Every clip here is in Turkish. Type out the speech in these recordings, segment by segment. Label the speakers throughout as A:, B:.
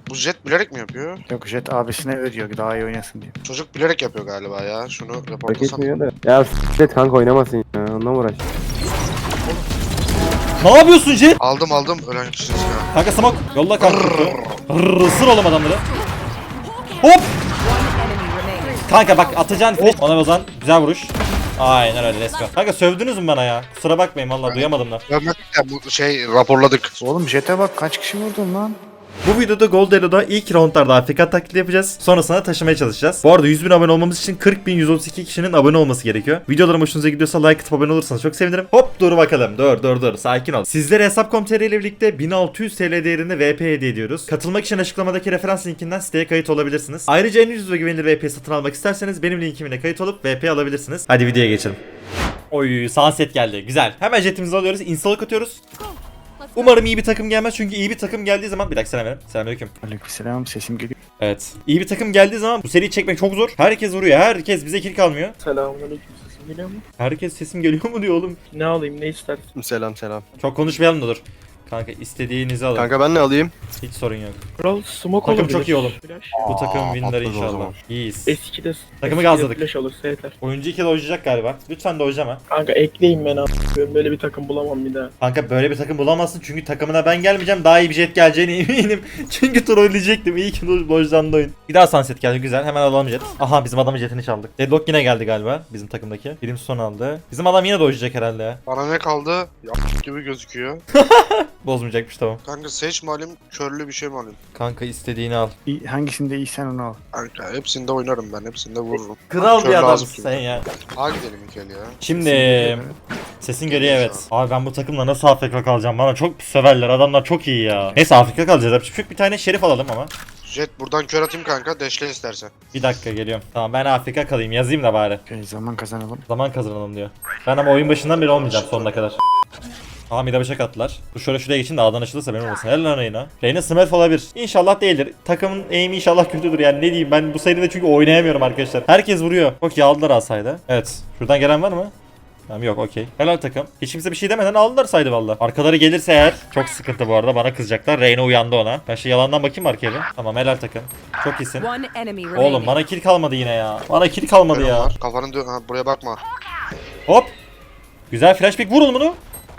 A: Bu Jet bilerek mi yapıyor?
B: Yok, Jet abisine veriyor daha iyi oynasın diye.
A: Çocuk bilerek yapıyor galiba ya. Şunu
C: Fark
A: reportlasana.
C: etmiyor da. Ya s**t kanka oynamasın ya. Onunla mı uğraş?
D: Ne yapıyorsun Jet?
A: Aldım ölen kişiyiz ya.
D: Kanka smoke. Yolla kanka. Sır oğlum adamları. Hop. Kanka bak atacağın flash. Ona bozan. Güzel vuruş. Aynen öyle let's go. Kanka sövdünüz mü bana ya? Kusura bakmayın vallahi duyamadım da.
A: Bu raporladık.
B: Oğlum Jet'e bak kaç kişi vurdun lan?
D: Bu videoda Gold Elo'da ilk roundlarda AFK taklidi yapacağız. Sonrasında taşımaya çalışacağız. Bu arada 100.000 abone olmamız için 40.132 kişinin abone olması gerekiyor. Videolarım hoşunuza gidiyorsa like atıp abone olursanız çok sevinirim. Hop dur bakalım. Dur. Sakin ol. Sizlere Hesap.com.tr ile birlikte 1600 TL değerinde VP hediye ediyoruz. Katılmak için açıklamadaki referans linkinden siteye kayıt olabilirsiniz. Ayrıca en ucuz ve güvenilir VP satın almak isterseniz benim linkimle kayıt olup VP alabilirsiniz. Hadi videoya geçelim. Oy sunset geldi. Güzel. Hemen jetimizi alıyoruz. Install'a atıyoruz. Umarım iyi bir takım gelmez çünkü iyi bir takım geldiği zaman... Bir dakika selam verin. Selamünaleyküm.
B: Aleykümselam, sesim geliyor.
D: Evet. İyi bir takım geldiği zaman bu seriyi çekmek çok zor. Herkes vuruyor. Herkes bize kill kalmıyor.
E: Selamünaleyküm, sesim geliyor mu?
D: Herkes sesim geliyor mu diyor oğlum.
E: Ne alayım, ne istersin?
C: Selam.
D: Çok konuşmayalım da dur. Kanka istediğinizi alın.
C: Kanka ben ne alayım?
D: Hiç sorun yok.
E: Kral smoke
D: Takım
E: olabilir.
D: çok iyi oğlum.
E: Flash.
D: Bu takım winner
C: patladı o
D: inşallah.
C: zaman.
D: İyiyiz.
E: S2'de
D: Takımı
E: S2'de
D: gazladık.
E: Flash olursa yeter.
D: Oyuncu 2 dojlayacak galiba. Lütfen dojlama.
E: Kanka ekleyin beni abi. Ben böyle bir takım bulamam bir daha.
D: Kanka böyle bir takım bulamazsın çünkü takımına ben gelmeyeceğim. Daha iyi bir jet geleceğine eminim. Çünkü trolleyecektim. İyi ki dojlandı oyun. Bir daha sunset geldi güzel. Hemen alalım jet. Aha bizim adamın jetini çaldık. Deadlock yine geldi galiba bizim takımdaki. Birim son aldı. Bizim adam yine dojlayacak herhalde ya.
A: Bana ne kaldı? Gibi gözüküyor.
D: Bozmayacakmış tamam.
A: Kanka Sage mi alayım? Körlü bir şey mi alayım?
D: Kanka istediğini al.
B: Hangisinde iyisen onu al.
A: Kanka hepsinde oynarım ben. Hepsinde vururum.
D: Kral
A: Kör
D: bir
A: lazım
D: adamsın
A: çünkü.
D: sen ya.
A: A gidelim ilk el ya.
D: Şimdi sesin geliyor evet. Abi ben bu takımla nasıl AFK kalacağım? Bana çok söverler. Adamlar çok iyi ya. Neyse AFK kalacağız. Yapacak bir tane şerif alalım ama.
A: Jet buradan kör atayım kanka. Deşle istersen.
D: Bir dakika geliyorum. Tamam ben AFK kalayım. Yazayım da bari.
B: Zaman kazanalım.
D: Zaman kazanalım diyor. Ben ama oyun başından beri olmayacağım sonuna kadar. Aha bir de bıçak attılar. Dur şöyle şuraya geçin de A'dan açılırsa benim olmasın. Helal lan Reyna. Reyna Smurf olabilir. İnşallah değildir. Takımın aim'i inşallah kötüdür yani ne diyeyim ben bu seride çünkü oynayamıyorum arkadaşlar. Herkes vuruyor. Çok iyi aldılar asaydı. Evet. Şuradan gelen var mı? Tamam yok okey. Helal takım. Hiç kimse bir şey demeden aldılar saydı valla. Arkaları gelirse eğer çok sıkıntı bu arada bana kızacaklar. Reyna uyandı ona. Ben şey yalandan bakayım arkaya bir. Tamam helal takım. Çok iyisin. Oğlum bana kill kalmadı yine ya. Bana kill kalmadı
A: Benim
D: ya.
A: var. Kafanın buraya bakma.
D: Hop. Güzel flashback vurun bunu.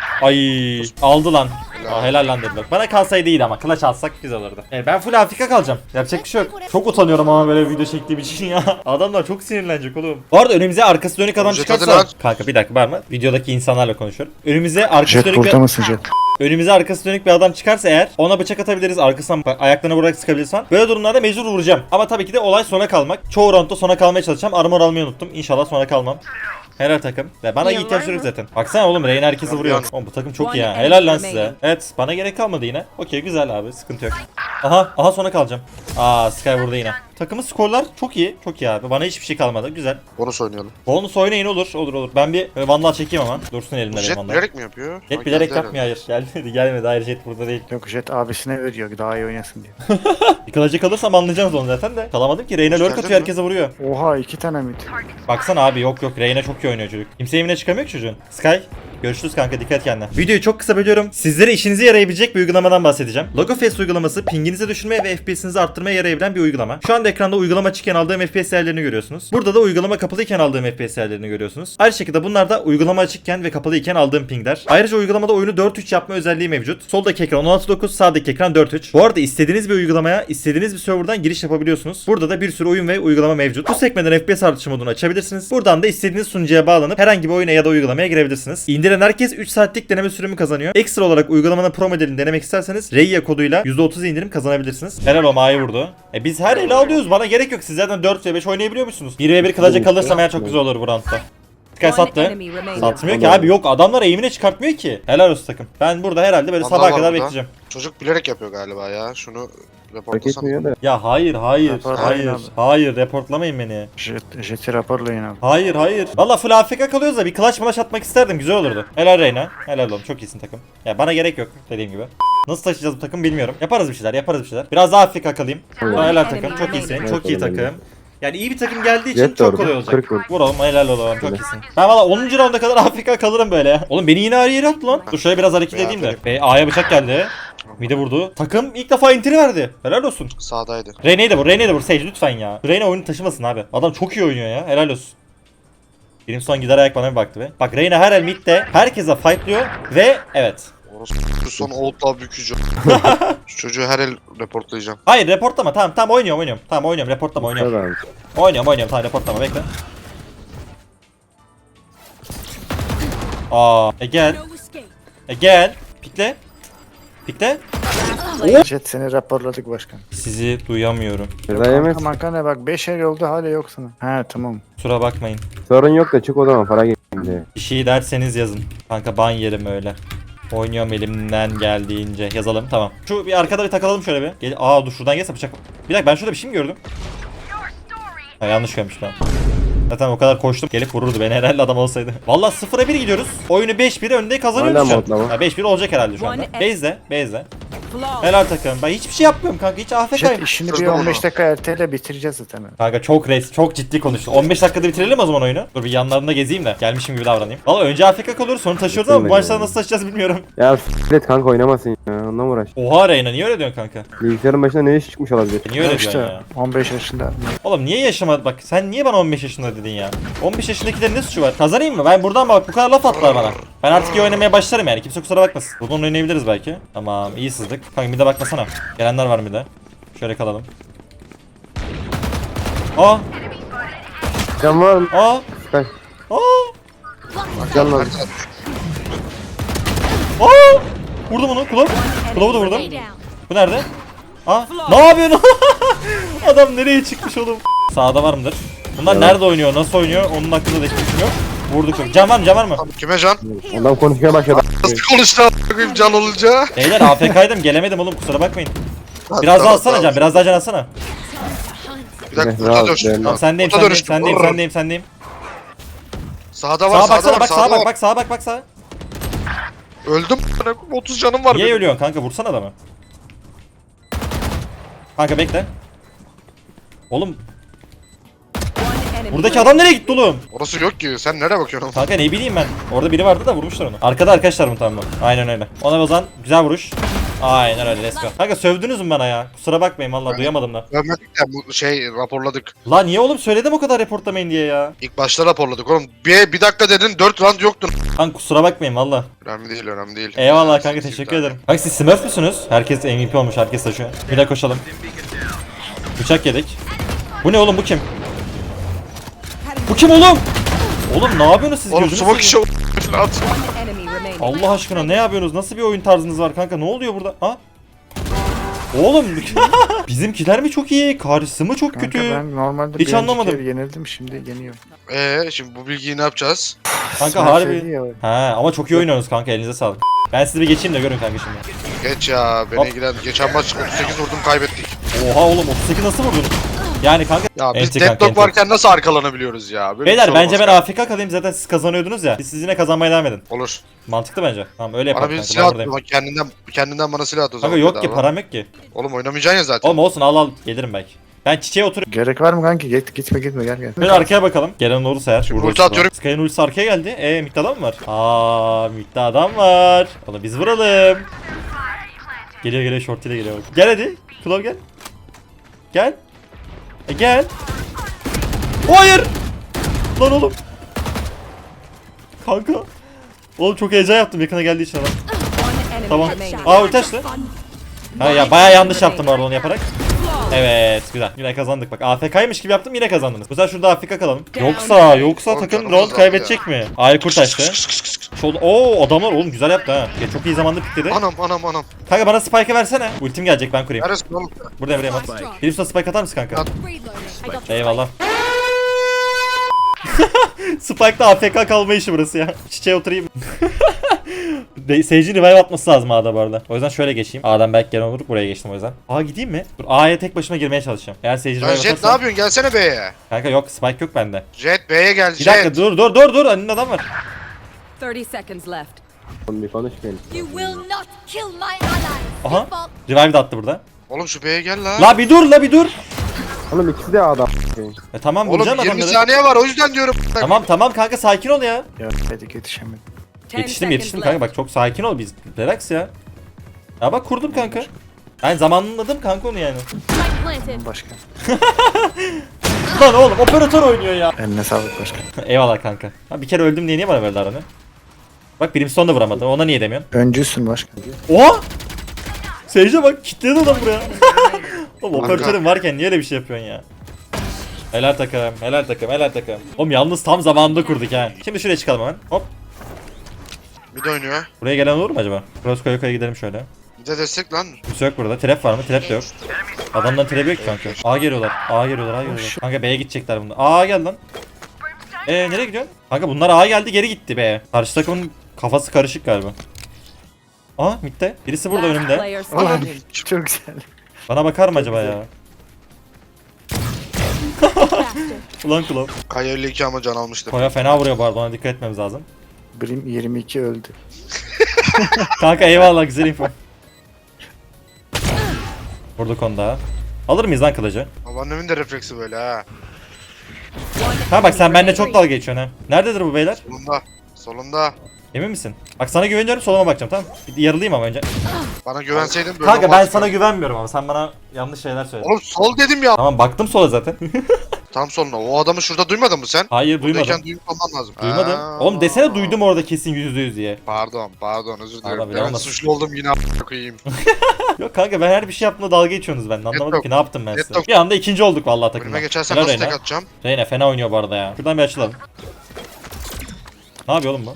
D: Ay aldı lan. Aa, helal lan dediler. Bana kalsaydı iyiydi ama clutch alsak güzel olurdu. Ben full Afrika kalacağım. Yapacak bir şey yok. Çok utanıyorum ama böyle bir video çektiğim için ya. Adamlar çok sinirlenecek oğlum. Bu arada önümüze arkası dönük adam
A: Jet
D: çıkarsa...
A: hadi lan.
D: Kanka bir dakika var mı? Videodaki insanlarla konuşuyorum. Önümüze arkası
B: Jet
D: dönük
B: burada
D: bir...
B: mısın Jet?
D: Önümüze arkası dönük bir adam çıkarsa eğer ona bıçak atabiliriz arkasından ayaklarına vurarak sıkabiliriz falan. Böyle durumlarda mecbur vuracağım. Ama tabii ki de olay sona kalmak. Çoğu roundda sona kalmaya çalışacağım. Armor almayı unuttum. İnşallah sona kalmam. Helal takım. Ve bana ihtiyaç yok zaten. Baksana oğlum Reyna herkesi vuruyor. Oğlum bu takım çok iyi ya. Helal lan size. Evet bana gerek kalmadı yine. Okey güzel abi sıkıntı yok. Aha sona kalacağım. Aa Sky burada yine. Takımın skorlar çok iyi. Çok iyi abi. Bana hiçbir şey kalmadı. Güzel.
A: Bonus oynayalım.
D: Bonus oynayın olur. Ben bir vandal çekeyim ama. Dursun elimde benim
A: Jet
D: vandal.
A: bilerek mi yapıyor?
D: Jet
A: Ha,
D: bilerek
A: geldi
D: yapmıyor hayır. Gelmedi. Hayır Jet burada değil.
B: Yok, Jet abisine veriyor daha iyi oynasın diye.
D: Bir kılıcı kalırsam anlayacağız onu zaten de. Kalamadım ki. Reyna lurk
A: Geldin
D: atıyor
A: mi?
D: herkese vuruyor.
B: Oha 2 tane mid.
D: Baksana abi yok Reyna çok iyi oynuyor çocuk. Kimse evine çıkamıyor ki çocuğun. Sky görüşürüz kanka dikkat et kendine. Videoyu çok kısa bölüyorum. Sizlere işinize yarayabilecek bir uygulamadan bahsedeceğim. Logofest uygulaması pinginizi düşürmeye ve FPS'inizi arttırmaya yarayabilen bir uygulama. Şu anda ekranda uygulama açıkken aldığım FPS değerlerini görüyorsunuz. Burada da uygulama kapalıyken aldığım FPS değerlerini görüyorsunuz. Aynı şekilde bunlar da uygulama açıkken ve kapalıyken aldığım pingler. Ayrıca uygulamada oyunu 4:3 yapma özelliği mevcut. Soldaki ekran 16:9, sağdaki ekran 4:3. Bu arada istediğiniz bir uygulamaya, istediğiniz bir serverdan giriş yapabiliyorsunuz. Burada da bir sürü oyun ve uygulama mevcut. Bu sekmeden FPS artışı modunu açabilirsiniz. Buradan da istediğiniz sunucuya bağlanıp herhangi bir oyuna ya da uygulamaya girebilirsiniz. İndiren herkes 3 saatlik deneme sürümü kazanıyor. Ekstra olarak uygulamanın pro modelini denemek isterseniz Reya koduyla %30 indirim kazanabilirsiniz. Helal o Ma'yı vurdu. Biz her ele alıyoruz. Bana gerek yok. Siz zaten 4v5 oynayabiliyor musunuz? 1v1 kılıca kalırsam eğer çok güzel olur bu roundda. Sky sattı. Satmıyor ki abi yok adamlar eğimine çıkartmıyor ki. Helal olsun takım. Ben burada herhalde böyle
A: Vandal
D: sabaha
A: var
D: kadar
A: burada.
D: bekleyeceğim.
A: Çocuk bilerek yapıyor galiba ya. Şunu
C: Fark
A: reportlasana.
C: etmiyor da.
D: Ya hayır
B: Raporlayın abi.
D: hayır reportlamayın beni.
B: Jet'i raporlayın abi.
D: Hayır. Valla full AFK kalıyoruz da bir clutch malaş atmak isterdim güzel olurdu. Helal Reyna. Helal oğlum çok iyisin takım. Ya bana gerek yok dediğim gibi. Nasıl taşıyacağız bu takım bilmiyorum. Yaparız bir şeyler. Biraz daha AFK kalayım. Helal takım çok iyisin. Çok iyi takım. Yani iyi bir takım geldiği için
C: Jet de
D: çok
C: orada.
D: kolay olacak.
C: 40 vur.
D: Vur oğlum helal oğlum çok iyisin. Ben valla 10. rounda kadar AFK kalırım böyle ya. Oğlum beni yine her yere attı lan. Dur şöyle biraz hareket edeyim de. A'ya bıçak geldi. Mide vurdu. Takım ilk defa entry verdi. Helal olsun.
A: Sağdaydı.
D: Reyna'yı da vur. Reyna'yı da vur. Sage lütfen ya. Reyna oyunu taşımasın abi. Adam çok iyi oynuyor ya. Helal olsun. Benim son gider ayak bana bir baktı be. Bak Reyna her el midde herkese fightlıyor ve evet.
A: Orası son oldla bükücü. Şu çocuğu her el reportlayacağım.
D: Hayır reportlama tamam oynuyorum. Tamam oynuyorum reportlama oynuyorum.
C: Tabii abi.
D: Oynuyorum tamam reportlama bekle. Gel. Gel. Pikle. Pikle.
B: Jet seni raporladık başkan.
D: Sizi duyamıyorum.
C: Ceza yemez.
B: Kanka mankana bak 5 el oldu hala yoksun. He tamam.
D: Kusura bakmayın.
C: Sorun yok da çık o zaman para gelince.
D: Bir şey derseniz yazın. Kanka ban yerim öyle. Oynuyorum elimden geldiğince. Yazalım tamam. Şu bir arkada bir takılalım şöyle bir. Dur şuradan gelse bıçak. Bir dakika ben şurada bir şey mi gördüm? Ha yanlış görmüş lan. Zaten o kadar koştum gelip vururdu beni herhalde adam olsaydı. Vallahi 0'a 1 gidiyoruz. Oyunu 5-1 önde kazanıyoruz
C: Hala
D: şu an.
C: modlama.
D: Ha, 5-1 olacak herhalde şu anda. Base'de. Helal takım. Ben hiçbir şey yapmıyorum kanka. Hiç
B: Jet
D: AFK'yim.
B: işini
A: Hızlı
B: bir 15
A: oldu.
B: dakika erteyle bitireceğiz zaten.
D: Kanka çok ciddi konuştu. 15 dakikada bitirelim o zaman oyunu. Dur bir yanlarında gezeyim de. Gelmişim gibi davranayım. Valla önce AFK kalıyoruz sonra taşıyoruz ama bu
C: Bitirmedim
D: maçları
C: yani.
D: nasıl taşıyacağız bilmiyorum.
C: Ya s**t kanka oynamasın ya. Onunla mı uğraş?
D: Oha Reyna niye öyle diyorsun kanka?
C: Bilgisayarın başına ne iş çıkmış olabilir?
D: Niye öyle
B: İşte
D: diyorsun ya?
B: 15 yaşında.
D: Oğlum niye yaşamadı bak sen niye bana 15 yaşında dedin ya? 15 yaşındakilerin ne suçu var? Kazanayım mı? Ben buradan bak bu kadar laf attılar bana. Ben artık iyi oynamaya başlarım yani kimse kusura bakmasın. Buradan oynayabiliriz belki. Tamam iyi sızdık. Kanka bir de bakmasana. Gelenler var bir de. Şöyle kalalım. Aa!
C: Can var mı?
D: Aa!
C: Sky.
D: Aa!
C: Can var.
D: Aa! Vurdum onu. Kulağı da vurdum. Bu nerede? Aa! Ne yapıyorsun? Adam nereye çıkmış oğlum? Sağda var mıdır? Bunlar
C: Evet.
D: nerede oynuyor? Nasıl oynuyor? Onun hakkında da hiçbir fikrim yok. Vurduk çok. Can var mı?
A: Kime can?
C: Adam konuşmaya başladı.
A: Nasıl konuştu a**ayım can olunca?
D: Beyler AFK'ydım gelemedim oğlum kusura bakmayın. Biraz daha alsana can, biraz daha can alsana.
A: Bir dakika
C: Rahat,
A: burada dönüştüm.
C: rahat.
D: Tamam sendeyim. Sağda
A: Sağda var
D: bak,
A: sağda
D: sağa
A: var.
D: bak, sağa bak.
A: Öldüm. 30 canım var
D: Niye
A: benim.
D: ölüyorsun kanka? Vursana adamı. Kanka bekle. Oğlum buradaki adam nereye gitti oğlum?
A: Orası yok ki. Sen nereye bakıyorsun?
D: Kanka ne bileyim ben. Orada biri vardı da vurmuşlar onu. Arkada arkadaşlar mı tamam mı? Aynen öyle. Ona o zaman güzel vuruş. Aynen öyle let's go. Kanka sövdünüz mü bana ya? Kusura bakmayın vallahi duyamadım da.
A: Görmedik ya bu raporladık.
D: La niye oğlum söyledim o kadar reportlamayın diye ya.
A: İlk başta raporladık oğlum. Bir dakika dedin 4 round yoktu.
D: Kanka kusura bakmayın valla.
A: Önemli değil.
D: Eyvallah kanka teşekkür ederim. Kanka siz Smurf müsünüz? Herkes MVP olmuş herkes taşıyor. Bir de koşalım. Bıçak yedik. Bu ne oğlum bu kim? Bu kim oğlum? Oğlum ne yapıyorsunuz siz
A: Oğlum
D: gözünü
A: smoke
D: seveyim?
A: işi at.
D: Allah aşkına ne yapıyorsunuz? Nasıl bir oyun tarzınız var kanka? Ne oluyor burada? Ha? Oğlum bizimkiler mi çok iyi? Karşısı mı çok
B: Kanka
D: kötü?
B: ben normalde
D: Hiç
B: bir
D: anlamadım.
B: önceki el yenildim şimdi yeniyorum.
A: Şimdi bu bilgiyi ne yapacağız?
D: Kanka
B: Sen
D: harbi.
B: söyledi ya.
D: Ha ama çok iyi oynuyorsunuz kanka elinize sağlık. Ben sizi bir geçeyim de görün kanka şimdi.
A: Geç ya beni
D: Hop.
A: ilgilen. Geçen maç 38 vurdum kaybettik.
D: Oha oğlum 38 nasıl vurdun? Yani kanka.
A: Ya biz
D: Enti kanka,
A: deadlock
D: enti.
A: varken nasıl arkalanabiliyoruz ya? Böyle bir
D: Beyler
A: şey
D: bence ben
A: olmaz
D: AFK kalayım zaten siz kazanıyordunuz ya. Siz yine kazanmaya devam edin.
A: Olur.
D: Mantıklı bence. Tamam öyle
A: Bana
D: yapalım
A: bir
D: kanka.
A: silah
D: Ben
A: at.
D: buradayım.
A: Bak kendinden bana silah at o zaman.
D: Kanka yok ki
A: bedava.
D: param yok ki.
A: Oğlum oynamayacaksın ya zaten.
D: Oğlum olsun al gelirim belki. Ben çiçeğe oturup
B: Gerek var mı kanki? Gitme gel.
D: böyle arkaya bakalım. Gelen olursa eğer.
A: Şimdi
D: Vururuz
A: ulti atıyorum.
D: Sky'ın ultisi arkaya geldi. Mid'de adam mı var? Mid'de adam var. Oğlum biz vuralım. Geliyor short ile geliyor. Gel hadi. Klov gel. Gel. Gel. Hayır. Lan oğlum. Kanka. Oğlum çok heyecan yaptım yakına geldiği için adam. Tamam. Ulti açtı. Ha ya bayağı yanlış yaptım orada onu yaparak. Evet güzel. Yine kazandık bak. AFK'ymış gibi yaptım yine kazandınız. Bu sefer şurada AFK kalalım. Yoksa
A: Oğlum,
D: takım
A: canımız
D: round
A: azaldı
D: kaybedecek mi? Aykurt açtı. Adamlar oğlum güzel yaptı ha. Ya, çok iyi zamanda pikledi.
A: Anam.
D: Kanka bana spike'ı versene. Ultim gelecek ben kurayım.
A: Neresin oğlum?
D: Buradayım at. Birisi spike atar mısın kanka?
A: At.
D: Eyvallah. Spike'da AFK kalma işi burası ya. Çiçeğe oturayım. Sage'in revive atması lazım A'da bu arada. O yüzden şöyle geçeyim. A'dan belki gelen olur. Buraya geçtim o yüzden. A gideyim mi? Dur A'ya tek başıma girmeye çalışacağım. Eğer Sage revive
A: Ya Jet ne
D: atarsa...
A: yapıyorsun? Gelsene B'ye.
D: Kanka yok spike yok bende.
A: Jet B'ye gel.
D: Bir dakika dur. Önünde adam var.
F: 30 seconds left.
C: Oğlum bir konuş benim.
G: You will not kill my allies.
D: Aha. Revive de attı burada.
A: Oğlum şu B'ye gel la.
D: La bir dur.
C: Oğlum ikisi de adam.
D: Tamam
A: Oğlum
D: vuracağım
A: 20
D: adamları.
A: saniye var o yüzden diyorum.
D: Tamam kanka sakin ol ya.
B: Ya dedik yetişemedim.
F: 10
D: Yetiştim
F: seconds
D: kanka
F: left.
D: bak çok sakin ol biz. Relax ya. Ya bak kurdum kanka. Ben zamanladım kanka onu yani.
G: Spike planted.
B: Başka.
D: Lan oğlum operatör oynuyor ya.
B: Eline sağlık başka.
D: Eyvallah kanka. Ha, bir kere öldüm diye niye bana verdi aranı? Bak Brimstone da vuramadı. Ona niye demiyorsun?
B: Öncüsün başka.
D: Oha! Seyirce bak kilitledi adam buraya. Oğlum operatörün varken niye öyle bir şey yapıyorsun ya? Helal takım, helal takım, helal takım. Oğlum yalnız tam zamanında kurduk ha. Şimdi şuraya çıkalım hemen. Hop.
A: Bir de oynuyor.
D: Buraya gelen olur mu acaba? Cross koya koya gidelim şöyle.
A: Bir de destek lan.
D: Kimse yok burada. Trap var mı? Trap de yok. Adamdan trap yok ki kanka. A geliyorlar. A geliyorlar. A geliyorlar. Kanka B'ye gidecekler bunlar. A gel lan. Nereye gidiyorsun? Kanka bunlar A geldi geri gitti be. Karşı takımın kafası karışık galiba. Aa midde. Birisi burada
F: Last
D: önümde.
F: player
B: Oğlum
F: standing.
B: çok güzel.
D: Bana bakar mı acaba ya? Ulan Klov.
A: Kaya 52 ama can almıştır.
D: Koya fena vuruyor bu arada, ona dikkat etmemiz lazım.
B: Brim 22 öldü.
D: Kanka eyvallah, güzel info. Vurduk onu daha. Alır mıyız lan kılıcı?
A: Babaannemin de refleksi böyle ha.
D: Ha bak sen benimle çok dalga geçiyorsun ha. Nerededir bu beyler?
A: Solunda. Solunda.
D: Emin misin? Bak sana güveniyorum, soluma bakacağım, tamam. Bir yarılayım ama önce.
A: Bana güvenseydin böyle
D: Kanka ben
A: olmazdı.
D: sana güvenmiyorum ama sen bana yanlış şeyler söyledin.
A: Oğlum sol dedim ya.
D: Tamam baktım sola zaten.
A: Tam soluna. O adamı şurada duymadın mı sen?
D: Hayır duymadım.
A: Buradayken duymuş olman lazım.
D: Duymadım.
A: Aa.
D: Oğlum desene duydum orada kesin %100 diye.
A: Pardon özür
D: Pardon,
A: dilerim.
D: bile
A: Ben
D: olmasın.
A: suçlu oldum yine a**a koyayım.
D: Yok kanka ben her bir şey yaptığımda dalga geçiyorsunuz benden. Anlamadım
A: yok.
D: ki ne yaptım ben
A: Net
D: size.
A: yok.
D: Bir anda ikinci olduk vallahi takımda.
A: Önüme geçersen
D: Helal
A: nasıl tek
D: Reyna.
A: atacağım?
D: Reyna fena oynuyor bu arada ya. Şuradan bir açılalım. Ne yapıyor oğlum bu?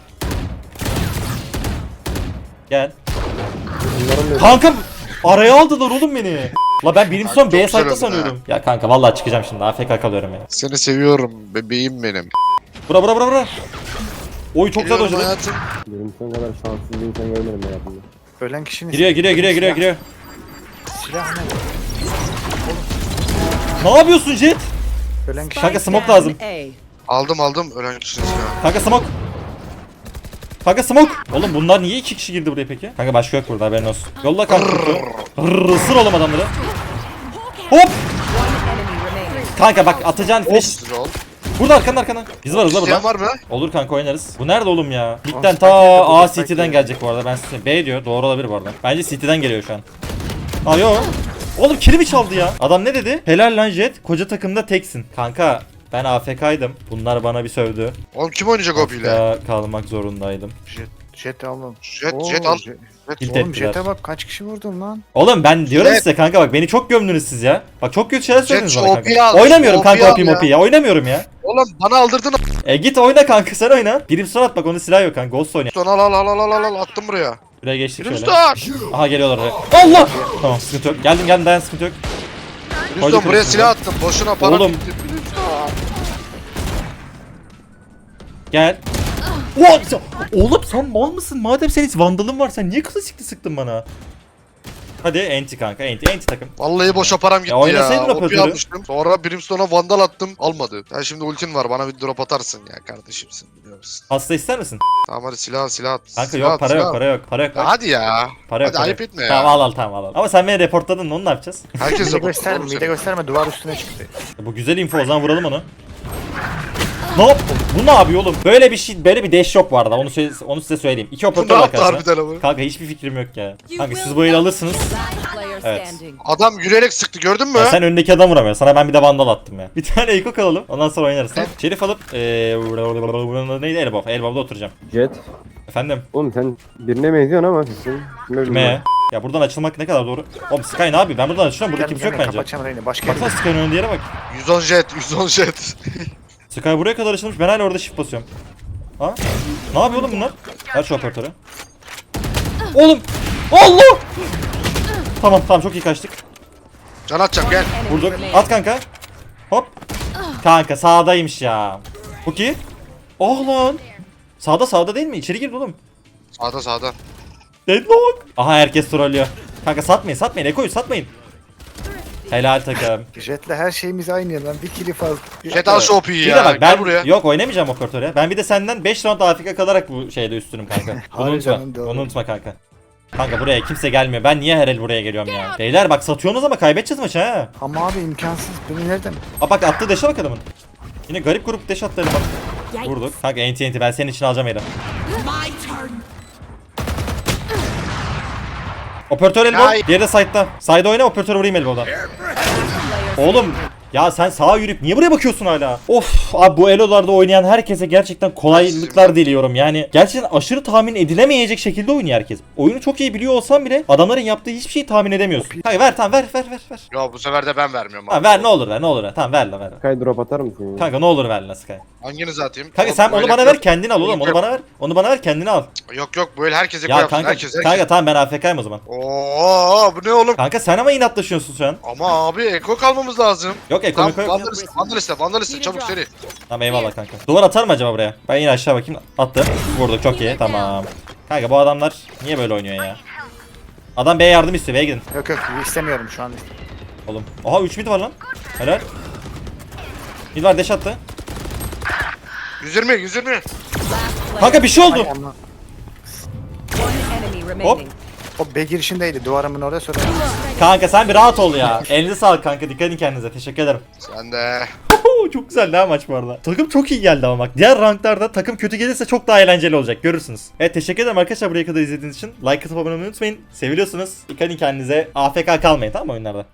D: Gel.
C: Bunların da
D: Kanka araya aldılar oğlum beni. La ben birinci son
A: Kanka,
D: B
A: çok güzel
D: site'da
A: öldün
D: sanıyorum. Ya kanka vallahi çıkacağım şimdi. AFK kalıyorum ya.
A: Seni seviyorum bebeğim benim.
D: Bura. Oy çok güzel
A: Geliyorum
D: hocadı.
A: hayatım.
C: benim son kadar şanssız bir insan görmedim hayatımda.
B: Ölen kişinin
D: Giriyor.
B: Silah ne?
D: Ne yapıyorsun Jet?
B: Ölen kişi.
D: Kanka smoke
F: Down
D: lazım.
F: A.
A: Aldım ölen kişinin silahı.
D: Kanka smoke. Oğlum bunlar niye iki kişi girdi buraya peki? Kanka başka yok burada, haberin olsun. Yolla kanka. Isır oğlum adamları. Hop.
F: Enemy remaining.
D: Kanka bak atacağın flash.
A: Sıra ol.
D: Burada arkana. Biz varız la
A: İsteyen
D: burada.
A: var mı?
D: Olur kanka oynarız. Bu nerede oğlum ya? Mid'den
B: Spike
D: ta
B: geliyor,
D: A
B: Spike
D: City'den
B: geliyor.
D: gelecek bu arada. Ben size B diyor. Doğru olabilir bu arada. Bence City'den geliyor şu an. Aa yo. Oğlum kilimi çaldı ya. Adam ne dedi? Helal lan Jet. Koca takımda teksin. Kanka ben AFK'ydım. Bunlar bana bir sövdü.
A: Oğlum kim oynayacak o ile?
D: AFK kalmak zorundaydım.
B: Jet aldım.
A: Jet
B: Oo,
A: al.
B: Jet.
D: Tilt
B: Oğlum
D: ettiler.
B: Jet'e bak kaç kişi vurdum lan.
D: Oğlum ben diyorum
A: Jet.
D: size kanka bak beni çok gömdünüz siz ya. Bak çok kötü şeyler söylediniz
A: Jet
D: bana
A: şu OP'yi
D: kanka.
A: al,
D: Oynamıyorum
A: şu
D: kanka
A: OP'yi al
D: OP ya. Oynamıyorum ya.
A: Oğlum bana aldırdın
D: Git oyna kanka, sen oyna. Birim son at bak, onun silahı yok kanka. Ghost oyna.
A: a**. Al attım buraya.
D: Buraya geçtik şöyle.
A: Rüstem!
D: Aha geliyorlar oraya. Allah! Tamam sıkıntı yok. Geldim dayan, sıkıntı yok. Koyduk
A: Rüstem buraya
D: Rüstem'i.
A: silah attım. Boşuna para
D: Oğlum.
A: bitti.
D: Gel. What? Oğlum sen mal mısın? Madem senin hiç vandalın var, sen niye klasikli sıktın bana? Hadi enti kanka, enti takım.
A: Vallahi boşa param gitti ya.
D: oynasaydın
A: OP
D: operatörü.
A: almıştım. Sonra Brimstone'a vandal attım. Almadı. Sen şimdi ultin var. Bana bir drop atarsın ya kardeşimsin. Biliyor musun?
D: Hasta ister misin?
A: Tamam hadi silah at.
D: Kanka
A: Silah
D: yok,
A: at,
D: para
A: silah
D: yok,
A: at.
D: para yok, para yok.
A: Ya
D: Bak.
A: hadi ya.
D: Para yok,
A: Hadi
D: para
A: ayıp
D: yok.
A: etme ya.
D: Tamam al tamam. Ama sen beni reportladın, onu ne yapacağız?
A: Herkes
B: Mide
A: de
B: gösterme, mide gösterme, duvar üstüne çıktı.
D: Bu güzel info, o zaman vuralım onu. Ne yap? Bu ne yapıyor oğlum? Böyle bir şey, böyle bir dash yok bu arada. Onu size söyleyeyim. İki
A: Bu ne
D: operatör var
A: yaptı
D: karşısında.
A: harbiden ama?
D: Kanka hiçbir fikrim yok ya. Kanka siz bu eli alırsınız.
F: Last player
D: Evet.
F: standing.
A: Adam yürüyerek sıktı gördün mü?
D: Ya sen önündeki adam vuramıyor. Sana ben bir de vandal attım ya. Bir tane Eko kalalım. Ondan sonra oynarız. Tamam. Şerif alıp neydi, Elbow. Elbow'da oturacağım.
C: Jet.
D: Efendim.
C: Oğlum sen birine benziyorsun ama sesin.
D: Kime? Ya buradan açılmak ne kadar doğru? Oğlum Sky ne yapıyor? Ben buradan açıyorum. Burada
B: Gel,
D: kimse yok bence.
B: Kapatacağım Reyna. Başka
D: Baksana
B: yere.
D: Sky'ın önünde yere bak.
A: 110 jet.
D: Sky buraya kadar açılmış. Ben hala orada shift basıyorum. Ha? Ne yapıyor oğlum bunlar? Ver şu operatörü. Oğlum! Allah! Tamam çok iyi kaçtık.
A: Can atacağım gel.
F: Enemy
D: Vurduk.
F: remaining.
D: At kanka. Hop. Kanka sağdaymış ya. Bu ki? Oh lan. Sağda değil mi? İçeri girdi oğlum.
A: Sağda.
D: Deadlock. Aha herkes trollüyor. Kanka satmayın. Eko'yu satmayın. Helal takım.
B: Jet'le her şeyimiz aynı lan. Bir kili fazla.
A: Jet al şu OP'yi
D: Bir
A: ya.
D: de bak ben
A: Gel buraya.
D: yok oynamayacağım operatöre. Ben bir de senden 5 round AFK kalarak bu şeyde üstünüm kanka. Onu
B: Hayır
D: unutma.
B: canım, doğru.
D: Onu unutma kanka. Kanka buraya kimse gelmiyor. Ben niye her el buraya geliyorum ya? Beyler bak satıyorsunuz ama kaybedeceğiz maçı ha.
B: Ama abi imkansız. Beni nereden?
D: Aa bak attığı deşe bak adamın. Yine garip grup deş attı bak. Vurduk. Kanka enti ben senin için alacağım yeri. Operatör elbow.
A: Ay.
D: Diğeri de side'da. Side oyna, operatör vurayım elbow'dan. Oğlum ya sen sağa yürüyüp niye buraya bakıyorsun hala? Of abi, bu elolarda oynayan herkese gerçekten kolaylıklar diliyorum. Yani gerçekten aşırı tahmin edilemeyecek şekilde oynuyor herkes. Oyunu çok iyi biliyor olsam bile adamların yaptığı hiçbir şeyi tahmin edemiyorsun. Kanka ver, tamam ver.
A: Ya bu sefer de ben vermiyorum
D: Tamam
A: abi.
D: ver, ne olur ver, ne olur ver. Tamam ver lan ver.
C: Sky drop atar mısın ya?
D: Kanka ne olur ver lan Sky.
A: Hanginizi atayım?
D: Kanka sen onu
A: Böyle
D: bana
A: yok.
D: ver, kendini al oğlum. Onu bana ver. Onu bana ver, kendini al.
A: Yok böyle herkese
D: Ya
A: koyarsın.
D: kanka,
A: Herkes.
D: kanka tamam ben AFK'yim o zaman.
A: Oo bu ne oğlum?
D: Kanka sen ama inatlaşıyorsun şu an.
A: Ama abi eko kalmamız lazım.
D: Yok ekonomik
A: Tamam
D: yok.
A: vandaliste çabuk seri.
D: Tamam eyvallah kanka. Duvar atar mı acaba buraya? Ben yine aşağı bakayım. Attı. Vurduk, çok iyi. Tamam. Kanka bu adamlar niye böyle oynuyor ya? Adam B'ye yardım istiyor. B'ye gidin.
B: Yok istemiyorum şu an.
D: Oğlum. Oha 3 mid var lan. Helal. Mid var, deş attı.
A: 120.
D: Kanka bir şey oldu.
B: Ay, ama
F: One enemy remaining.
B: o B girişindeydi. Duvarımın orada sonra.
D: Kanka sen bir rahat ol ya. Elinize sağlık kanka. Dikkat edin kendinize. Teşekkür ederim.
A: Sen de.
D: Çok güzel ha maç bu arada. Takım çok iyi geldi ama bak. Diğer ranklarda takım kötü gelirse çok daha eğlenceli olacak. Görürsünüz. Evet teşekkür ederim arkadaşlar buraya kadar izlediğiniz için. Like atıp abone olmayı unutmayın. Seviliyorsunuz. Dikkat edin kendinize. AFK kalmayın tamam mı oyunlarda?